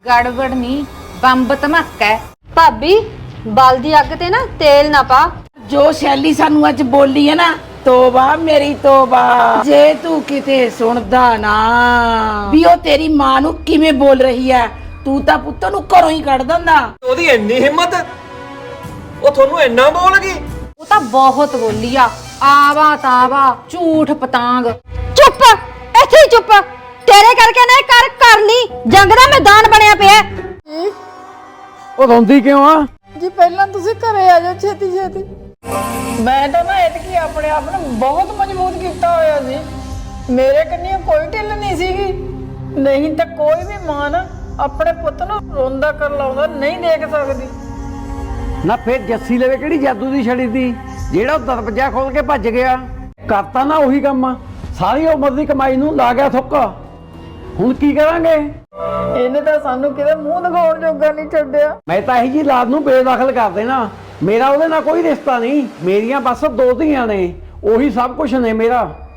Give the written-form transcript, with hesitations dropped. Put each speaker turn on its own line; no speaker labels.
ਗੜਬੜ ਨਹੀਂ, ਬੰਬ ਧਮਾਕਾ ਹੈ।
ਭਾਬੀ ਬਲਦੀ ਅੱਗ ਤੇ ਨਾ ਤੇਲ ਨਾ ਪਾ।
ਜੋ ਸ਼ੈਲੀ ਸਾਨੂੰ ਅੱਜ ਬੋਲੀ ਹੈ ਨਾ, ਤੋਬਾ ਮੇਰੀ ਤੋਬਾ। ਜੇ ਤੂੰ ਕਿਤੇ ਸੁਣਦਾ ਨਾ ਵੀ ਉਹ ਤੇਰੀ ਮਾਂ ਨੂੰ ਕਿਵੇਂ ਬੋਲ ਰਹੀ ਹੈ, ਤੂੰ ਤਾਂ ਪੁੱਤ ਨੂੰ ਘਰੋਂ ਹੀ ਕੱਢ ਦਿੰਦਾ।
ਉਹਦੀ ਇੰਨੀ ਹਿੰਮਤ, ਉਹ ਤੁਹਾਨੂੰ ਇੰਨਾ ਬੋਲ ਗਈ।
ਉਹ ਤਾਂ ਬਹੁਤ ਬੋਲੀ ਆ, ਆਵਾ ਤਾਵਾ ਝੂਠ ਪਤਾੰਗ।
ਚੁੱਪ, ਇੱਥੇ ਹੀ ਚੁੱਪ। ਤੇਰੇ ਕਰਕੇ ਨਾ ਕਰ ਕਰ ਲਈ, ਜੰਗ ਦਾ ਮੈਦਾਨ ਬਣਿਆ ਪਿਆ।
ਉਹ ਰੋਂਦੀ ਕਿਉਂ ਆ?
ਜੀ ਪਹਿਲਾਂ ਤੁਸੀਂ ਘਰੇ ਆ ਜਾਓ ਛੇਤੀ ਛੇਤੀ। ਮੈਂ ਤਾਂ ਨਾ ਇਤਕੀ ਆਪਣੇ ਆਪ ਨੂੰ ਬਹੁਤ ਮਜ਼ਬੂਤ ਕੀਤਾ ਹੋਇਆ ਸੀ। ਮੇਰੇ ਕੰਨੀ ਕੋਈ ਢਿੱਲ ਨਹੀਂ ਸੀਗੀ। ਨਹੀਂ ਤਾਂ ਕੋਈ ਵੀ ਮਾਂ ਨਾ ਆਪਣੇ ਪੁੱਤ ਨੂੰ ਰੋਂਦਾ ਕਰ ਲਾਉਂਦਾ ਨਹੀਂ ਦੇਖ ਸਕਦੀ।
ਨਾ ਫੇਰ ਜੱਸੀ ਲਵੇ ਕਿਹੜੀ ਜਾਦੂ ਦੀ ਛੜੀ ਤੀ ਜਿਹੜਾ ਉਹ ਦਰਵਾਜ਼ਾ ਖੋਲ ਕੇ ਭੱਜ ਗਿਆ? ਕਰਤਾ ਨਾ ਉਹੀ ਕੰਮ, ਸਾਰੀ ਉਮਰ ਦੀ ਕਮਾਈ ਨੂੰ ਲਾ ਗਿਆ ਥੁੱਕ। ਹੁਣ ਕੀ ਕਰਾਂਗੇ?
ਇਹਨੇ ਤਾਂ ਸਾਨੂੰ ਕਿਤੇ ਮੂੰਹ ਦਿਖਾਉਣ ਜੋਗਾ ਨਹੀਂ ਛੱਡਿਆ।
ਮੈਂ ਤਾਂ ਇਹੀ ਜੀ ਲਾਦ ਨੂੰ ਬੇਦਖਲ ਕਰ ਦੇਣਾ। ਮੇਰਾ ਉਹਦੇ ਨਾਲ ਕੋਈ ਰਿਸ਼ਤਾ ਨਹੀਂ, ਮੇਰੀਆਂ ਬਸ ਦੋ ਧੀਆਂ ਨੇ, ਉਹੀ ਸਭ ਕੁਝ ਨੇ ਮੇਰਾ।